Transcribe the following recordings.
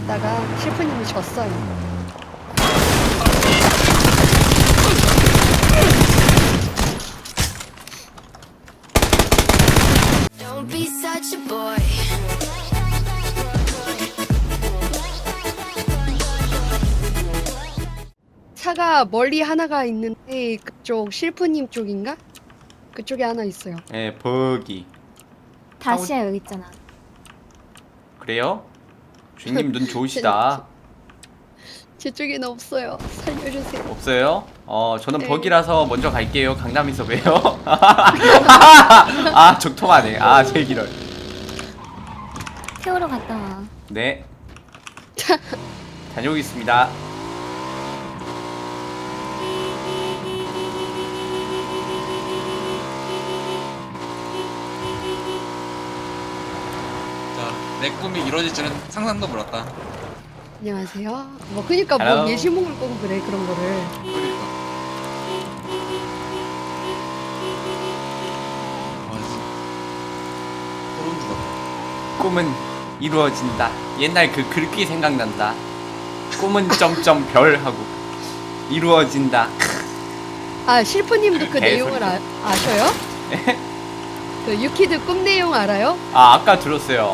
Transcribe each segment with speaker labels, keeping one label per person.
Speaker 1: 했다가 셰프님이 졌어요.
Speaker 2: Don't be such a boy.
Speaker 1: 차가 멀리 하나가 있는데 그쪽 실프님 쪽인가? 그쪽에 하나 있어요.
Speaker 3: 예, 버기.
Speaker 4: 다시야 여기 있잖아.
Speaker 3: 그래요? 주인님 눈 좋으시다.
Speaker 1: 제 쪽에는 없어요. 살려주세요.
Speaker 3: 없어요? 저는
Speaker 1: 네.
Speaker 3: 버기라서 먼저 갈게요. 강남에서 봬요. 아, 적통하네. 아, 제일 길어요.
Speaker 4: 태우러 갔다 와.
Speaker 3: 네. 다녀오겠습니다.
Speaker 5: 자, 내 꿈이 이루어질 줄은 상상도 몰랐다.
Speaker 1: 안녕하세요. 뭐 그니까 뭐
Speaker 3: Hello.
Speaker 1: 예시몽을 꼬고 그래 그런 거를.
Speaker 5: 그러니까. 와, 소름 돋았다.
Speaker 3: 꿈은 이루어진다. 옛날 그 글귀 생각난다. 꿈은 점점 별 하고 이루어진다.
Speaker 1: 아 실프님도 그
Speaker 3: 개소리.
Speaker 1: 내용을 아셔요? 그 유키드 꿈 내용 알아요?
Speaker 3: 아, 아까 들었어요.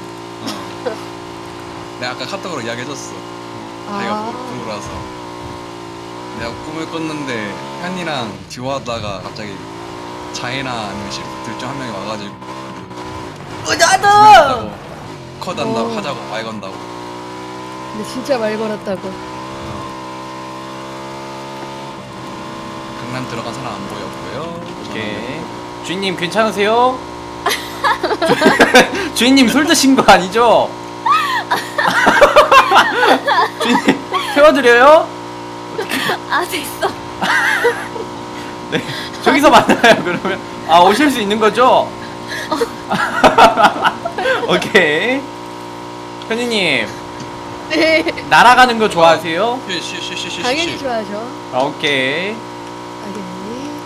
Speaker 5: 내가 아까 카톡으로 이야기해줬어. 자기가
Speaker 1: 아,
Speaker 5: 부르고 나서 내가 꿈을 꿨는데 현이랑 듀오하다가 갑자기 자이나 아니면 시프 둘중 한 명이 와가지고 나도 컷한다고
Speaker 1: 어.
Speaker 5: 하자고 말 건다고.
Speaker 1: 근데 진짜 말 걸었다고.
Speaker 5: 강남 들어간 사람 안 보였고요.
Speaker 3: 오케이. 주인님 괜찮으세요? 주인님 술 드신 거 아니죠? 주인님 태워드려요?
Speaker 4: 아 됐어.
Speaker 3: 네. 저기서 만나요 그러면. 아, 오실 수 있는 거죠? 오케이. 현이님
Speaker 1: 네,
Speaker 3: 날아가는 거 좋아하세요?
Speaker 5: 쉬쉬쉬쉬쉬.
Speaker 1: 당연히 좋아하죠.
Speaker 3: 아, 오케이.
Speaker 1: 알겠니?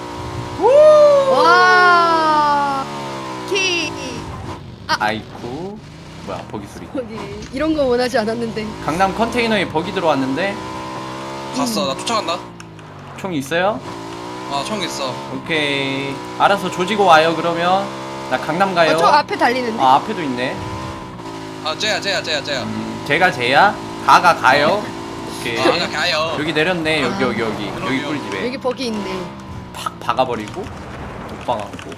Speaker 1: 와, 키.
Speaker 3: 아이쿠. 뭐야, 버기 소리.
Speaker 1: 거기 이런 거 원하지 않았는데.
Speaker 3: 강남 컨테이너에 버기 들어왔는데
Speaker 5: 갔어. 나 쫓아간다.
Speaker 3: 총 있어요?
Speaker 5: 아, 총 있어.
Speaker 3: 오케이. 알아서 조지고 와요 그러면. 나 강남 가요.
Speaker 1: 저 앞에 달리는데.
Speaker 3: 아, 앞에도 있네.
Speaker 5: 아, 쟤야.
Speaker 3: 제가 쟤야? 가요. 오케이.
Speaker 5: 아, 나 가요.
Speaker 3: 여기 내렸네. 여기
Speaker 1: 아.
Speaker 3: 여기
Speaker 5: 그럼요.
Speaker 3: 꿀집에
Speaker 1: 여기 버기 있네.
Speaker 3: 팍 박아버리고 못 박았고.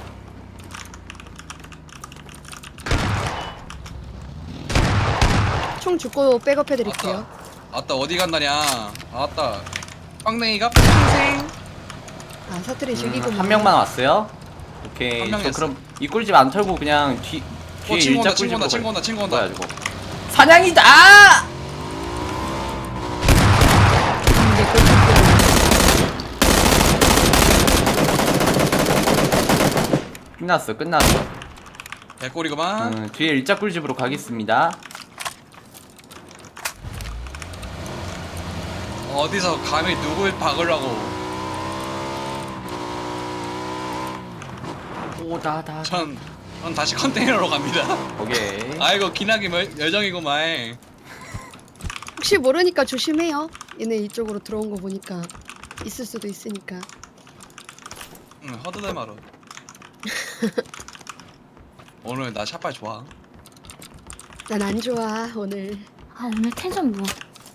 Speaker 1: 총 죽고 백업해 드릴게요.
Speaker 5: 아따 어디 간다냐. 아따 빵냉이가 평생.
Speaker 1: 아 사투리 죽이고.
Speaker 3: 한 명만 왔어요. 오케이.
Speaker 5: 한
Speaker 3: 저
Speaker 5: 명이었어.
Speaker 3: 그럼 이 꿀집 안 털고 그냥 뒤에
Speaker 5: 친구
Speaker 3: 일자
Speaker 5: 온다, 친구
Speaker 3: 꿀집으로
Speaker 5: 온다, 친구 온다, 친구 온다.
Speaker 3: 뭐야 저거. 사냥이다. 끝났어.
Speaker 5: 개꿀이구만.
Speaker 3: 뒤에 일자 꿀집으로 가겠습니다.
Speaker 5: 어디서 감히 누굴 박으려고.
Speaker 3: 오다다.
Speaker 5: 전 다시 컨테이너로 갑니다.
Speaker 3: 오케이.
Speaker 5: 아이고 기나기 열정이구만.
Speaker 1: 혹시 모르니까 조심해요. 얘네 이쪽으로 들어온 거 보니까 있을 수도 있으니까.
Speaker 5: 응, 허드렛 마루. 오늘 나 샷발 좋아.
Speaker 1: 난 안 좋아 오늘.
Speaker 4: 아 오늘 텐션 뭐?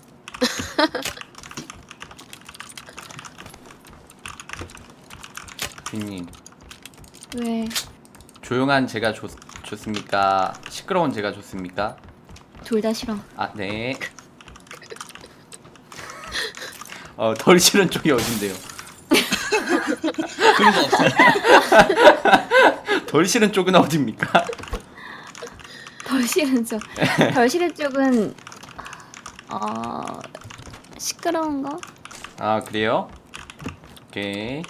Speaker 3: 주인님,
Speaker 4: 왜?
Speaker 3: 조용한 제가 좋습니까? 시끄러운 제가 좋습니까?
Speaker 4: 둘 다 싫어.
Speaker 3: 아, 네. 덜 싫은 쪽이 어딘데요?
Speaker 5: 그런 거 없어.
Speaker 3: 덜 싫은 쪽은 어딥니까?
Speaker 4: 덜 싫은 쪽. 덜 싫은 쪽은 시끄러운 거?
Speaker 3: 아, 그래요? 오케이.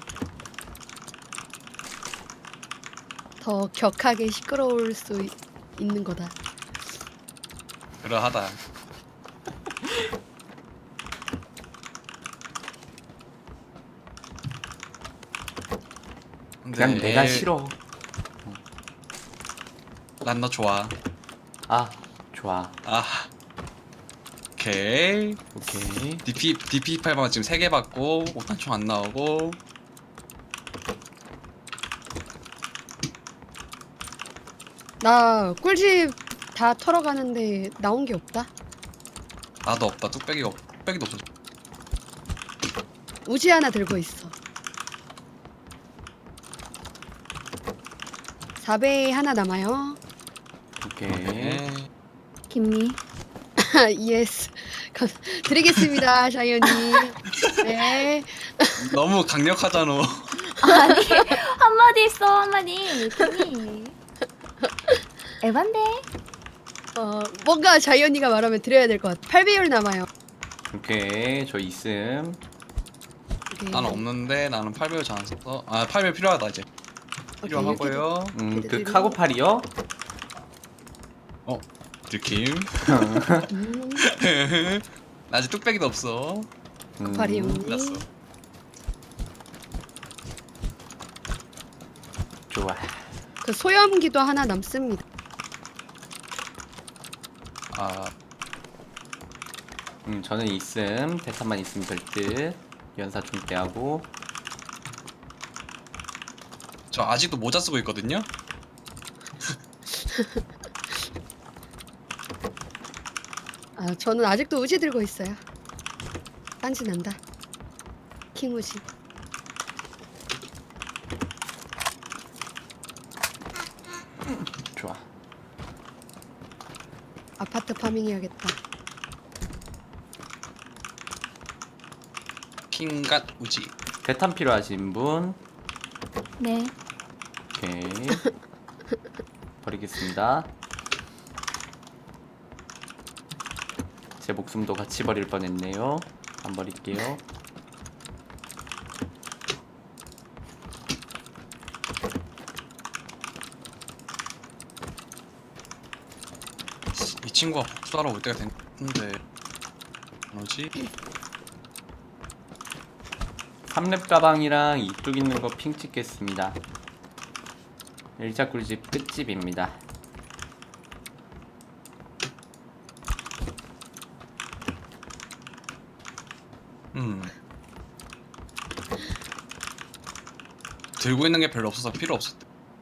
Speaker 1: 더 격하게 시끄러울 수 있는 거다.
Speaker 5: 그러하다.
Speaker 3: 그냥 내가 싫어.
Speaker 5: 난 너 좋아.
Speaker 3: 아, 좋아.
Speaker 5: 아, 오케이.
Speaker 3: 오케이.
Speaker 5: DP8만 지금 3개 받고 5탄총 안 나오고.
Speaker 1: 나 꿀집 다 털어가는데 나온 게 없다.
Speaker 5: 나도 없다. 뚝배기도 없어.
Speaker 1: 우지 하나 들고 있어. 4배 하나 남아요.
Speaker 3: 오케이.
Speaker 5: 네.
Speaker 4: 김미.
Speaker 1: 예스. 드리겠습니다, 자이언님. 네.
Speaker 5: 너무 강력하잖아.
Speaker 4: 아니 한마디 있어 한마디. 김미. 에반데.
Speaker 1: 뭔가 자이언니가 말하면 드려야 될 것 같아. 8배율 남아요.
Speaker 3: 오케이. 저 있음.
Speaker 1: 오케이.
Speaker 5: 나는 없는데 나는 8배율 잘 안 썼어. 아 8배율 필요하다 이제.
Speaker 1: 오케이,
Speaker 5: 필요하고요.
Speaker 3: 그 카고팔이요?
Speaker 5: 느낌.
Speaker 1: 음,
Speaker 5: 나 아직 뚝배기도 없어.
Speaker 1: 카고팔이
Speaker 5: 났어.
Speaker 1: 없니?
Speaker 3: 좋아.
Speaker 1: 그 소염기도 하나 남습니다.
Speaker 5: 아
Speaker 3: 저는 있음. 대탄만 있으면 될 듯. 연사 좀 떼하고.
Speaker 5: 저 아직도 모자 쓰고 있거든요.
Speaker 1: 저는 아직도 우지 들고 있어요. 딴지 난다. 킹 우지.
Speaker 3: 좋아.
Speaker 1: 아파트 파밍 해야겠다.
Speaker 5: 킹갓 우지.
Speaker 3: 대탄 필요하신 분?
Speaker 4: 네.
Speaker 3: 오케이. 버리겠습니다. 제 목숨도 같이 버릴 뻔했네요. 안 버릴게요.
Speaker 5: 이 친구가 복수하러 올 때가 됐는데 뭐지?
Speaker 3: 3렙 가방이랑 이쪽 있는 거 핑 찍겠습니다. 일자 꿀집 끝집입니다.
Speaker 5: 들고 있는 게 별로 없어서 필요 없었대.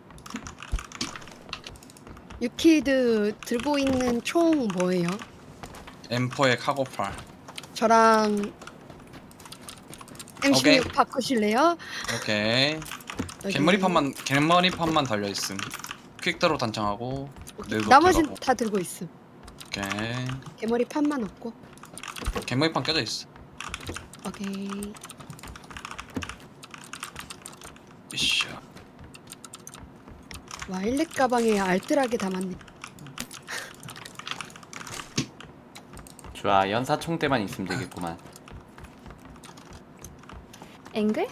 Speaker 1: 유키드 들고 있는 총 뭐예요?
Speaker 5: M4의 카고팔.
Speaker 1: 저랑
Speaker 5: 오케이.
Speaker 1: M16 바꾸실래요?
Speaker 5: 오케이.
Speaker 1: 여기.
Speaker 5: 개머리판만 달려 있음. 퀵드로 단창하고. 내도
Speaker 1: 나머진
Speaker 5: 들어가고.
Speaker 1: 다 들고 있음.
Speaker 5: 오케이.
Speaker 1: 개머리 판만 없고.
Speaker 5: 개머리판 껴져 있어.
Speaker 1: 오케이.
Speaker 5: 이씨.
Speaker 1: 와, 일렉 가방에 알뜰하게 담았네.
Speaker 3: 좋아. 연사 총대만 있으면 되겠구만.
Speaker 4: 앵글?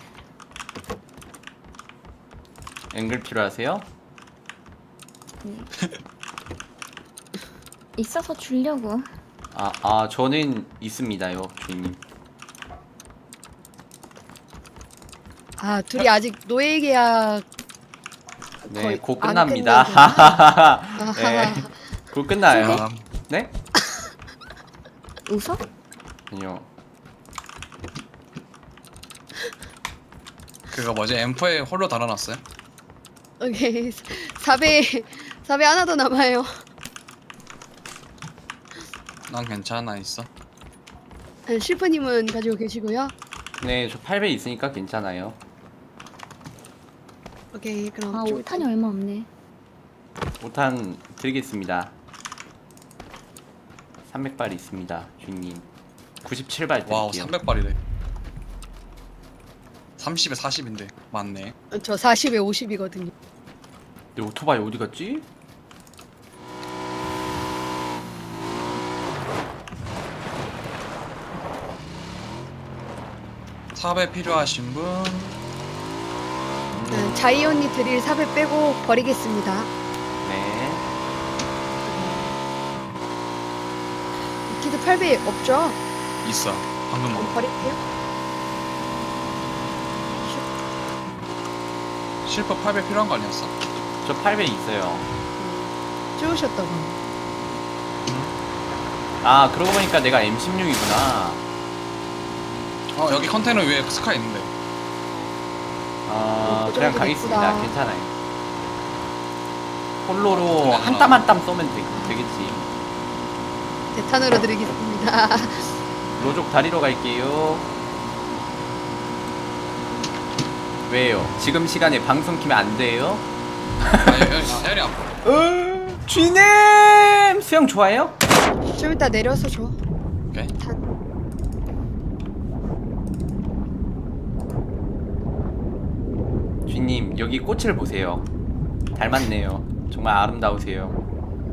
Speaker 3: 앵글 필요하세요?
Speaker 4: 네. 있어서 주려고.
Speaker 3: 저는 있습니다요, 주인님.
Speaker 1: 둘이 아직 노예 계약
Speaker 3: 네,
Speaker 1: 거의
Speaker 3: 곧
Speaker 1: 안
Speaker 3: 끝납니다.
Speaker 1: 끝내구나.
Speaker 3: 네, 곧 끝나요.
Speaker 5: 아,
Speaker 3: 네?
Speaker 4: 웃어?
Speaker 3: 아니요.
Speaker 5: 그거 뭐지? M4에 홀로 달아놨어요?
Speaker 1: 오케이. 4배 하나 더 남아요.
Speaker 5: 난 괜찮아 있어.
Speaker 1: 실프님은 가지고 계시고요.
Speaker 3: 네, 저 8배 있으니까 괜찮아요.
Speaker 1: 오케이, 그럼
Speaker 4: 아
Speaker 1: 좀
Speaker 4: 5탄이 얼마 없네.
Speaker 3: 5탄 드리겠습니다. 300발 있습니다, 주인님. 97발
Speaker 5: 와우
Speaker 3: 드릴게요.
Speaker 5: 300발이래. 30에 40인데 맞네.
Speaker 1: 저 40에 50이거든요.
Speaker 3: 내 오토바이 어디 갔지?
Speaker 5: 삽에 필요하신 분.
Speaker 1: 자이언니 드릴 4배 빼고 버리겠습니다.
Speaker 3: 네.
Speaker 1: 유키드 8배 없죠?
Speaker 5: 있어. 방금
Speaker 1: 그럼
Speaker 5: 먹.
Speaker 1: 버릴게요.
Speaker 5: 실버 8배 필요한 거 아니었어?
Speaker 3: 저 8배 있어요.
Speaker 1: 주우셨다고.
Speaker 3: 아 그러고 보니까 내가 M16이구나.
Speaker 5: 여기 컨테이너 위에 스카 있는데.
Speaker 1: 그
Speaker 3: 그냥
Speaker 1: 정도
Speaker 3: 가겠습니다.
Speaker 1: 예쁘다.
Speaker 3: 괜찮아요. 홀로로
Speaker 5: 그래,
Speaker 3: 한 땀 한 땀 쏘면 되겠지.
Speaker 1: 대탄으로 드리겠습니다.
Speaker 3: 로족 다리로 갈게요. 왜요? 지금 시간에 방송 키면 안 돼요?
Speaker 5: 혜연이 앞.
Speaker 3: 쥐님 수영 좋아해요?
Speaker 1: 좀 이따 내려서 줘.
Speaker 5: 오케이.
Speaker 1: 탄.
Speaker 3: 쥐님 여기 꽃을 보세요. 닮았네요. 정말 아름다우세요.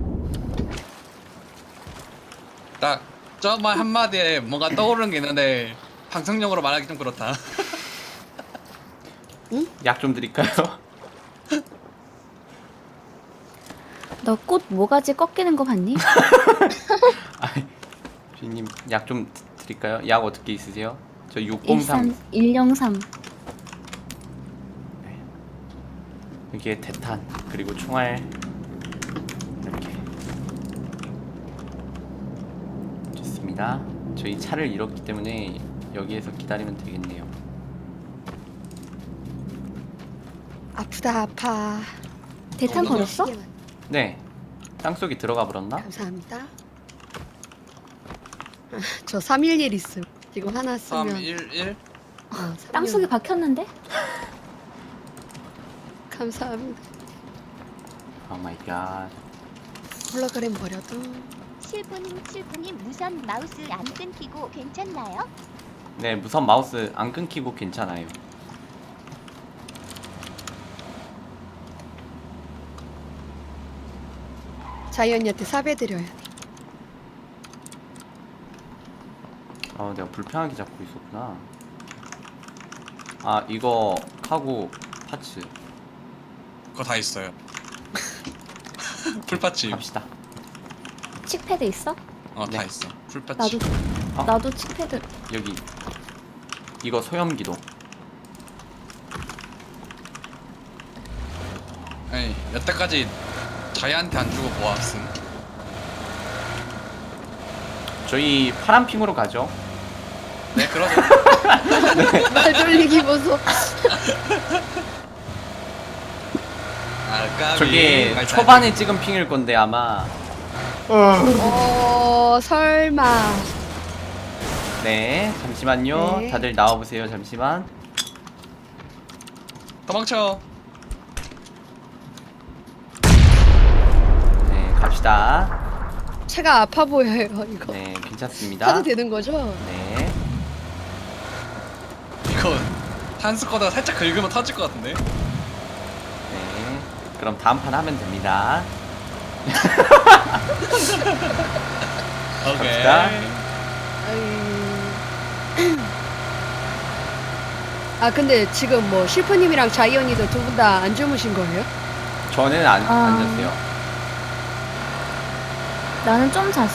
Speaker 5: 딱 저말 한마디에 뭔가 떠오르는 게 있는데 방송용으로 말하기 좀 그렇다.
Speaker 3: 약 좀 드릴까요?
Speaker 4: 너 꽃 모가지 꺾이는 거 봤니?
Speaker 3: 쥐님 약 좀 드릴까요? 약 어떻게 있으세요? 저 603.
Speaker 4: 103.
Speaker 3: 여기에 대탄 그리고 총알 이렇게 좋습니다. 저희 차를 잃었기 때문에 여기에서 기다리면 되겠네요.
Speaker 1: 아프다 아파.
Speaker 4: 대탄 걸었어?
Speaker 3: 네, 땅속에 들어가 버렸나?
Speaker 1: 감사합니다. 저 311 있음. 지금 하나 쓰면
Speaker 5: 311.
Speaker 4: 땅속에 박혔는데?
Speaker 1: 감사합니다.
Speaker 3: 오 마이 갓.
Speaker 1: 홀로그램 버려도
Speaker 6: 실프님 무선 마우스 안 끊기고 괜찮나요?
Speaker 3: 네, 무선 마우스 안 끊기고 괜찮아요.
Speaker 1: 자이언니한테 사배 드려야 돼.
Speaker 3: 내가 불편하게 잡고 있었구나. 아, 이거 카고 파츠
Speaker 5: 그거 다 있어요. 풀파츠.
Speaker 3: 갑시다.
Speaker 4: 칙패드 있어?
Speaker 5: 다
Speaker 3: 네.
Speaker 5: 있어. 풀파츠.
Speaker 4: 나도
Speaker 3: 어?
Speaker 4: 나도 칙패드.
Speaker 3: 여기 이거 소염기도.
Speaker 5: 아니 여태까지 자이한테 안 주고 모았음.
Speaker 3: 저희 파란핑으로 가죠.
Speaker 5: 네 그러죠.
Speaker 1: 말 돌리기 보소.
Speaker 5: 아,
Speaker 3: 저게
Speaker 5: 까비.
Speaker 3: 초반에 찍은 핑일 건데 아마.
Speaker 1: 설마.
Speaker 3: 네, 잠시만요.
Speaker 1: 네.
Speaker 3: 다들 나와보세요. 잠시만.
Speaker 5: 도망쳐.
Speaker 3: 네, 갑시다.
Speaker 1: 차가 아파 보여요 이거.
Speaker 3: 네, 괜찮습니다.
Speaker 1: 타도 되는 거죠?
Speaker 3: 네.
Speaker 5: 이거 한스 거다가 살짝 긁으면 터질 것 같은데.
Speaker 3: 네. 그럼 다음 판 하면 됩니다.
Speaker 5: 오케이.
Speaker 3: 갑시다.
Speaker 1: 아 근데 지금 뭐 실프님이랑 자이언니도 두 분 다 안 주무신 거예요?
Speaker 3: 저는 안 잤어요.
Speaker 4: 나는 좀 잤어.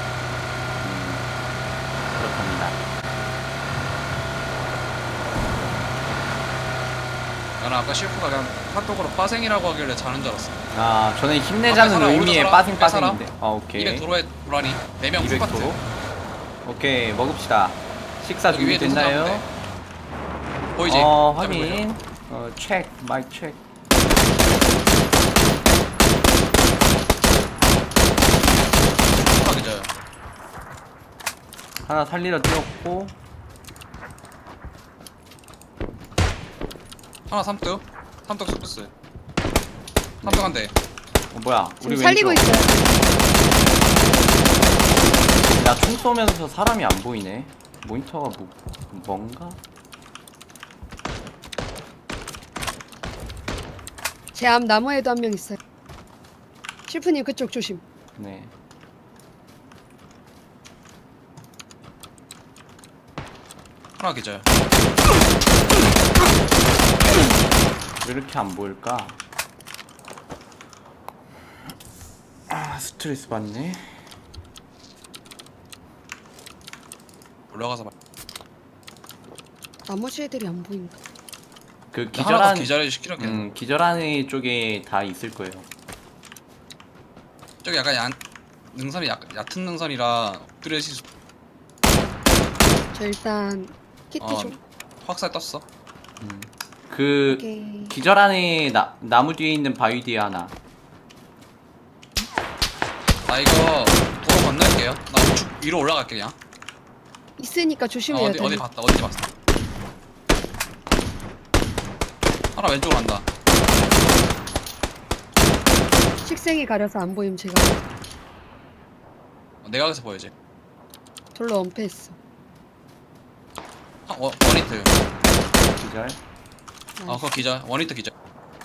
Speaker 3: 그렇답니다.
Speaker 5: 나는 아까 셰프가 그냥 핫도그로 빠생이라고 하길래 자는 줄 알았어.
Speaker 3: 아, 저는 힘내자는
Speaker 5: 살아,
Speaker 3: 의미의
Speaker 5: 오른쪽
Speaker 3: 빠생
Speaker 5: 살아.
Speaker 3: 빠생인데. 아, 오케이.
Speaker 5: 200 도로에 도라니 4명
Speaker 3: 200
Speaker 5: 풀파트.
Speaker 3: 도로. 오케이, 먹읍시다. 식사
Speaker 5: 여기 위에
Speaker 3: 준비됐나요?
Speaker 5: 누구 보이지?
Speaker 3: 확인. 체크, 마이 체크.
Speaker 5: 그죠?
Speaker 3: 하나 살리러 뛰었고.
Speaker 5: 하나 삼뚝 소스. 삼뚝 한 대.
Speaker 3: 뭐야? 우리
Speaker 1: 지금 살리고
Speaker 3: 왼쪽.
Speaker 1: 있어요.
Speaker 3: 야, 총 쏘면서 사람이 안 보이네. 모니터가 뭔가?
Speaker 1: 제 앞 나무에도 한 명 있어요. 실프님 그쪽 조심.
Speaker 3: 네.
Speaker 5: 하나 기절.
Speaker 3: 왜 이렇게 안 보일까? 아, 스트레스 받네.
Speaker 5: 올라가서 봐.
Speaker 1: 나머지 애들이 안 보인다.
Speaker 3: 그
Speaker 5: 하나 더
Speaker 3: 기절한
Speaker 5: 기절해 시키는 게.
Speaker 3: 기절한 애 쪽에 다 있을 거예요.
Speaker 5: 저기 약간 능선이 얕은 능선이라 엎드려지
Speaker 1: 저 일단 키트
Speaker 5: 어.
Speaker 1: 좀.
Speaker 5: 확살 떴어.
Speaker 3: 그
Speaker 1: 오케이.
Speaker 3: 기절 안에 나무 뒤에 있는 바위 뒤에 하나.
Speaker 5: 나 이거 도로 건널게요. 나 우측 위로 올라갈게 그냥.
Speaker 1: 있으니까 조심해야 돼.
Speaker 5: 어디 봤다. 어디 봤어. 하나 왼쪽으로 간다.
Speaker 1: 식생이 가려서 안 보임 제가.
Speaker 5: 내가 여기서 보여지.
Speaker 1: 돌로 엄폐했어.
Speaker 5: 원히트.
Speaker 3: 기절.
Speaker 5: 그거 기절. 원히트 기절.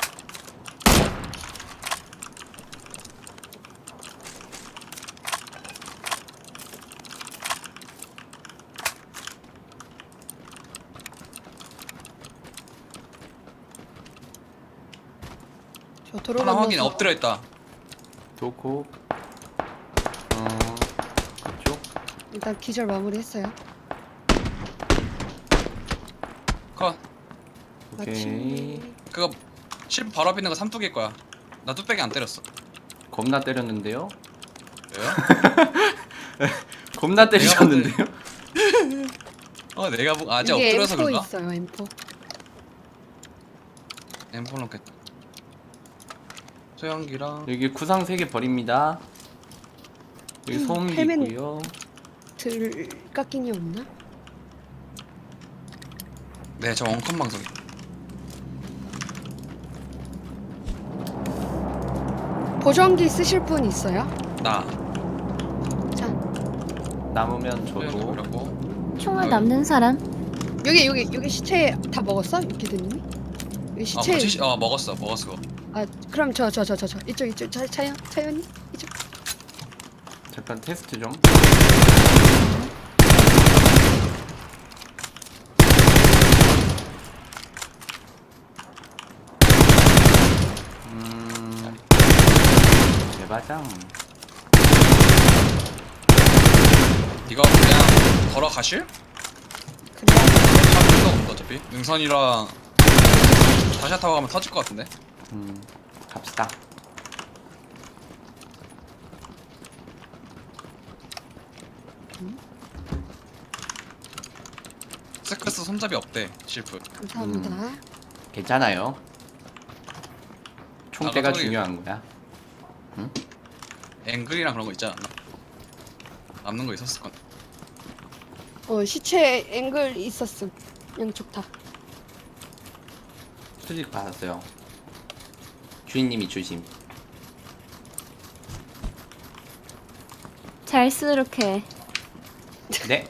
Speaker 1: 저 도로
Speaker 5: 하나 확인.
Speaker 1: 건너서
Speaker 5: 엎드려 있다.
Speaker 3: 좋고. 그쪽.
Speaker 1: 일단 기절 마무리했어요.
Speaker 5: 컷.
Speaker 3: 오케이.
Speaker 1: 마침.
Speaker 5: 그거 실프 바로 앞에 있는 거 삼뚝일 거야. 나 뚝배기 안 때렸어.
Speaker 3: 겁나 때렸는데요.
Speaker 5: 왜요?
Speaker 3: 겁나 때리셨는데요.
Speaker 5: 내가 아직
Speaker 1: 여기
Speaker 5: 엎드려서
Speaker 1: M4
Speaker 5: 그런가?
Speaker 1: 있어요. M4.
Speaker 5: 엠폴 넣겠다. 소형기랑
Speaker 3: 여기 구상 3개 버립니다. 여기 소음기
Speaker 1: 헬멧.
Speaker 3: 있고요.
Speaker 1: 들 깎이니 없나?
Speaker 5: 네, 저 원컴 방송이.
Speaker 1: 보정기 쓰실 분 있어요?
Speaker 5: 나
Speaker 1: 자,
Speaker 3: 남으면
Speaker 5: 소형기
Speaker 3: 저도.
Speaker 5: 그렸고.
Speaker 4: 총알 남는 사람?
Speaker 1: 여기 시체 다 먹었어? 유키드님이? 여기 시체.
Speaker 5: 먹었어 그거.
Speaker 1: 아, 그럼 저 이쪽 차연이 이쪽.
Speaker 3: 잠깐 테스트 좀. 대바장.
Speaker 5: 이거 그냥 걸어가실?
Speaker 1: 그래.
Speaker 5: 차 필요가 없다 어차피. 능선이랑 다시 타고 가면 터질 것 같은데.
Speaker 3: 갑시다.
Speaker 5: 세크스 손잡이 없대 실프.
Speaker 1: 감사합니다.
Speaker 3: 괜찮아요. 총대가
Speaker 5: 아까 소리-
Speaker 3: 중요한 거야.
Speaker 5: 앵글이랑 그런 거 있지 않나? 남는 거 있었을 건.
Speaker 1: 시체 앵글 있었음. 양쪽 다.
Speaker 3: 수직 받았어요. 주인님이 주심.
Speaker 4: 잘 쓰도록해.
Speaker 3: 네.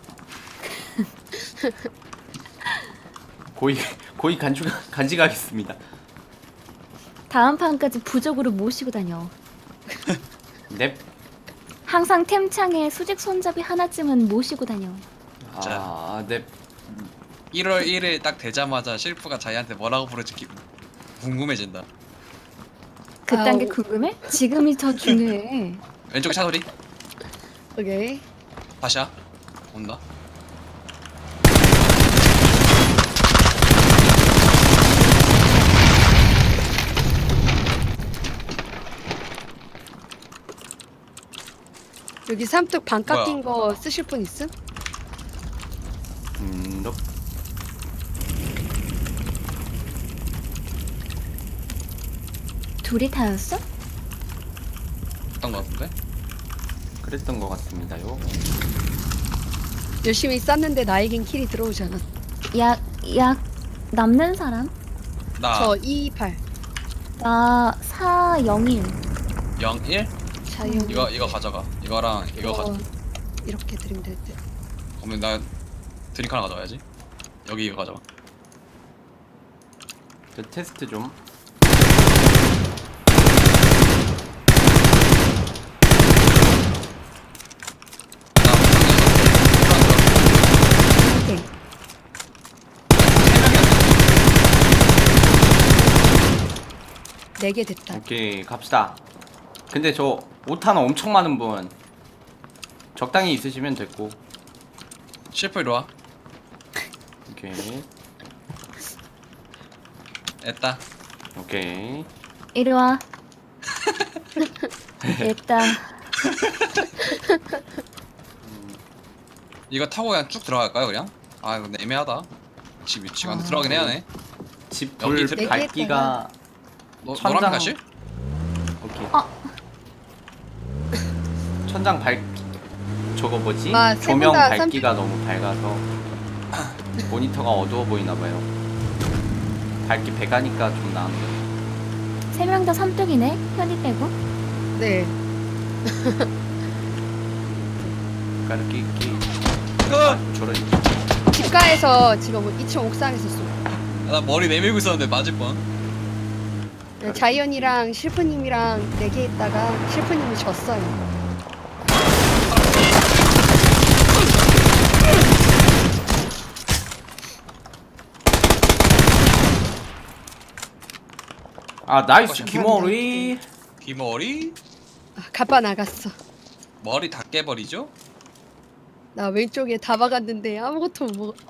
Speaker 3: 고이 간직하겠습니다.
Speaker 4: 다음 판까지 부적으로 모시고 다녀.
Speaker 3: 넵.
Speaker 4: 항상 템창에 수직 손잡이 하나쯤은 모시고 다녀.
Speaker 3: 넵.
Speaker 5: 1월 1일 딱 되자마자 실프가 자기한테 뭐라고 부를지 궁금해진다.
Speaker 4: 그딴 게
Speaker 1: 아우.
Speaker 4: 궁금해? 지금이 더 중요해.
Speaker 5: 왼쪽 차 소리.
Speaker 1: 오케이.
Speaker 5: 다시야. 온다.
Speaker 1: 여기 삼뚝 반
Speaker 5: 뭐야?
Speaker 1: 깎인 거 쓰실 분 있음?
Speaker 3: 넵.
Speaker 4: 둘이 다였어?
Speaker 5: 어떤 거 같은데?
Speaker 3: 그랬던 것 같습니다요.
Speaker 1: 열심히 쌌는데 나에겐 킬이 들어오지 않았어.
Speaker 4: 약 남는 사람?
Speaker 5: 나
Speaker 1: 저 28.
Speaker 4: 나 401.
Speaker 5: 01?
Speaker 1: 자연.
Speaker 5: 이거 가져가. 이거랑 이거 가져.
Speaker 1: 이렇게 드리면 될 듯.
Speaker 5: 그러면 나 드링크 하나 가져와야지. 여기 이거 가져와.
Speaker 3: 저 테스트 좀.
Speaker 1: 오케이. 네 개 됐다.
Speaker 3: 오케이, 갑시다. 근데 저 오탄 엄청 많은 분 적당히 있으시면 됐고.
Speaker 5: 실프 이리 와.
Speaker 3: 오케이.
Speaker 5: 됐다.
Speaker 3: 오케이.
Speaker 4: 이리 와. 됐다.
Speaker 5: 이거 타고 그냥 쭉 들어갈까요 그냥? 아 이거 애매하다. 집 안에 들어가긴 해야 해.
Speaker 3: 집
Speaker 5: 여기
Speaker 3: 불
Speaker 5: 들-
Speaker 3: 밝기가 천장-
Speaker 5: 노란 가실?
Speaker 3: 오케이.
Speaker 4: 어.
Speaker 3: 천장 밝기 저거 뭐지?
Speaker 1: 아, 세
Speaker 3: 조명
Speaker 1: 분 다
Speaker 3: 밝기가 너무 밝아서 모니터가 어두워 보이나 봐요. 밝기 배가니까 좀 나은데.
Speaker 4: 3명 다 삼뚝이네. 현이 빼고.
Speaker 1: 네.
Speaker 3: 까르끼
Speaker 5: 아,
Speaker 3: 저런.
Speaker 1: 집가에서 지금 2층 옥상에서 쏘.
Speaker 5: 나 머리 내밀고 있었는데 맞을 뻔.
Speaker 1: 네, 자이언이랑 실프님이랑 내기했다가 실프님이 졌어요.
Speaker 3: 아 나이스
Speaker 5: 감사합니다.
Speaker 3: 김어리.
Speaker 5: 귀머리?
Speaker 1: 아, 가빠 나갔어.
Speaker 5: 머리 다 깨버리죠?
Speaker 1: 나 왼쪽에 다 박았는데 아무것도 못 먹어.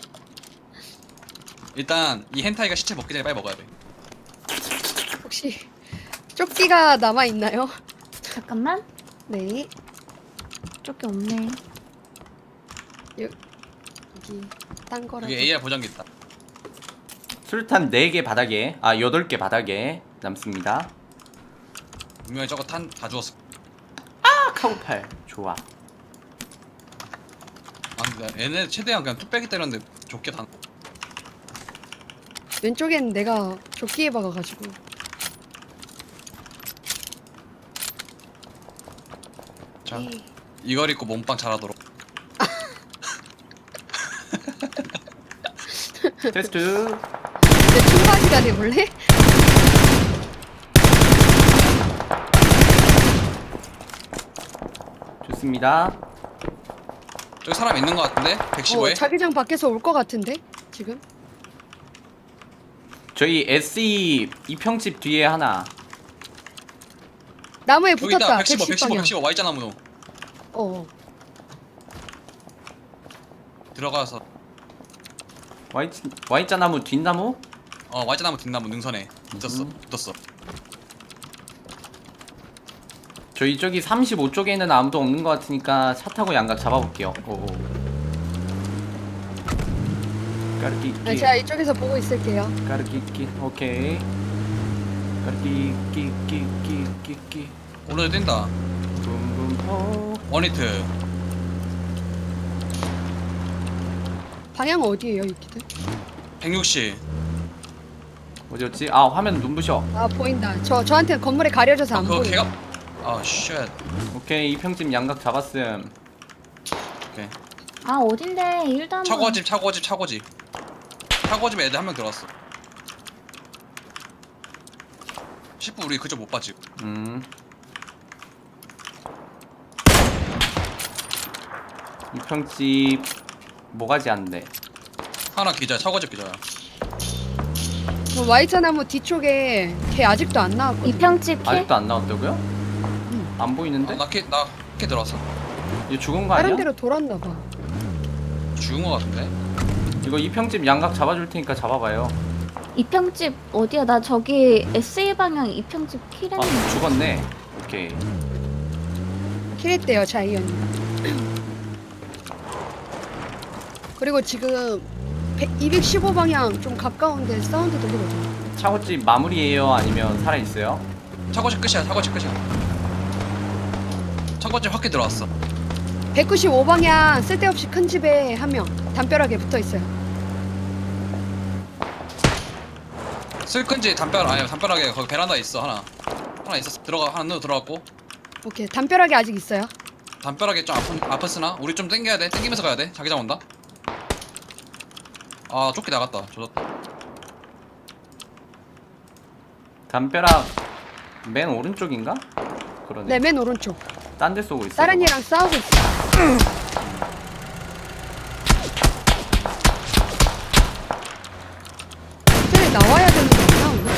Speaker 5: 일단 이 헨타이가 시체 먹기 전에 빨리 먹어야 돼.
Speaker 1: 혹시 조끼가 남아 있나요?
Speaker 4: 잠깐만.
Speaker 1: 네.
Speaker 4: 쪽이 없네.
Speaker 1: 여기 딴 거라고.
Speaker 5: 여기 AR 보정기 있다.
Speaker 3: 술탄 4개 바닥에 8개 바닥에 남습니다.
Speaker 5: 분명히 저거 탄 다 주웠어.
Speaker 3: 카우팔 좋아.
Speaker 5: 아 근데 얘네 최대한 그냥 뚝배기 때렸는데 좋게 다.
Speaker 1: 왼쪽엔 내가 조끼에 박아가지고.
Speaker 5: 자
Speaker 1: 에이,
Speaker 5: 이걸 입고 몸빵 잘하도록.
Speaker 3: 테스트.
Speaker 1: 내 총바지가 돼볼래?
Speaker 3: 좋습니다.
Speaker 5: 저기 사람 있는 거 같은데? 115에?
Speaker 1: 자기장 밖에서 올 것 같은데 지금?
Speaker 3: 저희 SE 이평집 뒤에 하나.
Speaker 1: 나무에
Speaker 5: 여기 있다.
Speaker 1: 붙었다.
Speaker 5: 115, 115,
Speaker 1: 110방향.
Speaker 5: 115 Y자 나무.
Speaker 1: 어.
Speaker 5: 들어가서
Speaker 3: Y자 나무 뒷나무?
Speaker 5: Y자 나무 뒷나무 능선에 붙었어. 붙었어.
Speaker 3: 저희 저기 35쪽에는 아무도 없는 것 같으니까 차 타고 양각 잡아볼게요. 오오. 까르끼끼.
Speaker 1: 아, 제가 이쪽에서 보고 있을게요.
Speaker 3: 까르끼끼. 오케이. 까르끼끼끼끼끼끼.
Speaker 5: 오른쪽 뛴다.
Speaker 3: 붐붐호.
Speaker 5: 원히트.
Speaker 1: 방향 어디에요, 이기들?
Speaker 5: 160.
Speaker 3: 어디였지? 아 화면 눈부셔.
Speaker 1: 아 보인다. 저한테는 건물에 가려져서 안
Speaker 5: 그거
Speaker 1: 보여.
Speaker 5: 걔가 아 쉣.
Speaker 3: 오케이 이평집 양각 잡았음.
Speaker 5: 오케이.
Speaker 4: 아 어딘데? 일도 한 번.
Speaker 5: 차고집 애들 한 명 들어왔어. 10분 우리 그저 못 봤지.
Speaker 3: 이평집 뭐가지 않는데.
Speaker 5: 하나 기자야. 차고집 기자야.
Speaker 1: Y자 나무 뒤쪽에 걔 아직도 안 나왔거든.
Speaker 4: 이평집 킬.
Speaker 3: 아직도 안 나왔다고요? 안 보이는데?
Speaker 5: 나캐 들어왔어.
Speaker 3: 이거 죽은 거 아니야?
Speaker 1: 다른 데로 돌았나 봐.
Speaker 5: 죽은 거 같은데.
Speaker 3: 이거 이평집 양각 잡아줄 테니까 잡아봐요.
Speaker 4: 이평집 어디야? 나 저기 SE 방향 이평집
Speaker 3: 아
Speaker 4: 킬했는데.
Speaker 3: 죽었네. 오케이.
Speaker 1: 킬했대요, 자이언이. 그리고 지금 215방향 좀 가까운데 사운드 들리거든.
Speaker 3: 차고집 마무리예요? 아니면 살아있어요?
Speaker 5: 차고집 끝이야. 차고집 확히 들어왔어.
Speaker 1: 195방향 쓸데없이 큰 집에 한 명 담벼락에 붙어 있어요.
Speaker 5: 슬큰지 담벼락에 거기 베란다에 있어 하나 있었어. 하나 들어갔고
Speaker 1: 오케이, 담벼락에 아직 있어요.
Speaker 5: 담벼락에 좀 아팠으나 우리 좀 땡겨야 돼. 땡기면서 가야 돼. 자기장 온다. 아 쫓기 나갔다. 조졌다.
Speaker 3: 담벼락 맨 오른쪽인가? 그러네.
Speaker 1: 네, 맨 오른쪽.
Speaker 3: 딴 데 쏘고 있어.
Speaker 1: 다른 이랑 싸우고 있어. 쟤네 나와야 되는 거 없나 오늘?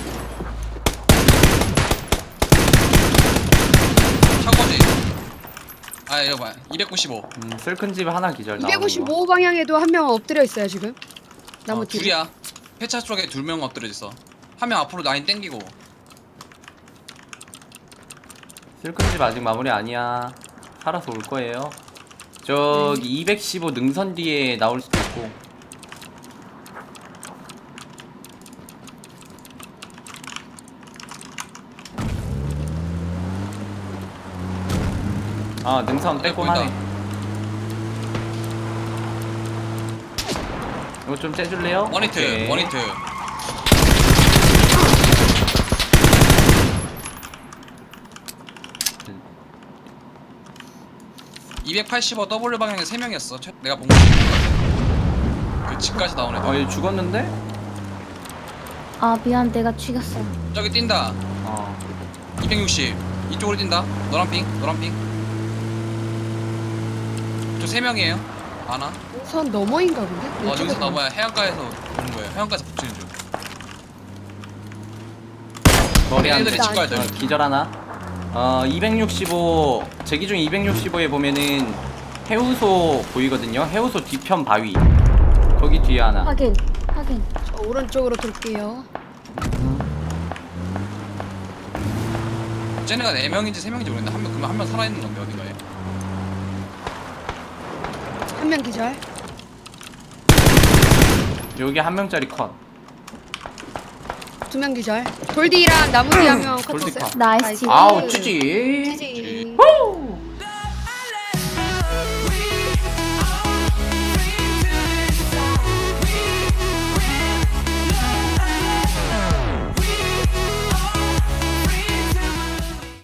Speaker 5: 차고지. 아 이거 봐. 295.
Speaker 3: 쓸큰집 하나 기절 나오는 거.
Speaker 1: 255방향에도 한 명 엎드려 있어요 지금. 나무 뒤에.
Speaker 5: 둘이야. 폐차 쪽에 2명 엎드려 있어. 한 명 앞으로 라인 땡기고.
Speaker 3: 슬픈 집 아직 마무리 아니야. 살아서 올 거예요. 저기 215 능선 뒤에 나올 수도 있고. 아 능선 빼꼼하네. 이거 좀 째줄래요?
Speaker 5: 원히트
Speaker 3: 오케이.
Speaker 5: 원히트. 285 W 방향에 3명이었어. 내가 본 거. 그 집까지 나온 애들.
Speaker 3: 얘 죽었는데?
Speaker 4: 아 미안 내가 죽였어.
Speaker 5: 저기 뛴다. 260 이쪽으로 뛴다. 노란핑 노란핑. 저 3명이에요. 아나?
Speaker 1: 선 너머인가 본데?
Speaker 5: 여기서 나와야 해안가에서 보는 거예요. 해안가에서 붙이는 중.
Speaker 3: 머리 한 대.
Speaker 5: 애들이 집 가야 돼.
Speaker 3: 기절 하나. 265 제기중 265에 보면은 해우소 보이거든요. 해우소 뒤편 바위. 거기 뒤에 하나.
Speaker 4: 확인.
Speaker 1: 저 오른쪽으로 돌게요.
Speaker 5: 쟤네가 4명인지 3명인지 모르겠는데 그러면 한 명 살아있는 건데 어딘가에.
Speaker 1: 한 명 기절.
Speaker 3: 여기 한 명짜리 컷.
Speaker 1: 2명 기절. 돌디랑 나무 뒤 한 명
Speaker 3: 돌디
Speaker 1: 컷했어요.
Speaker 3: 컷.
Speaker 4: 나이스.
Speaker 3: 아우 찌지.
Speaker 1: 찌지.
Speaker 3: 후!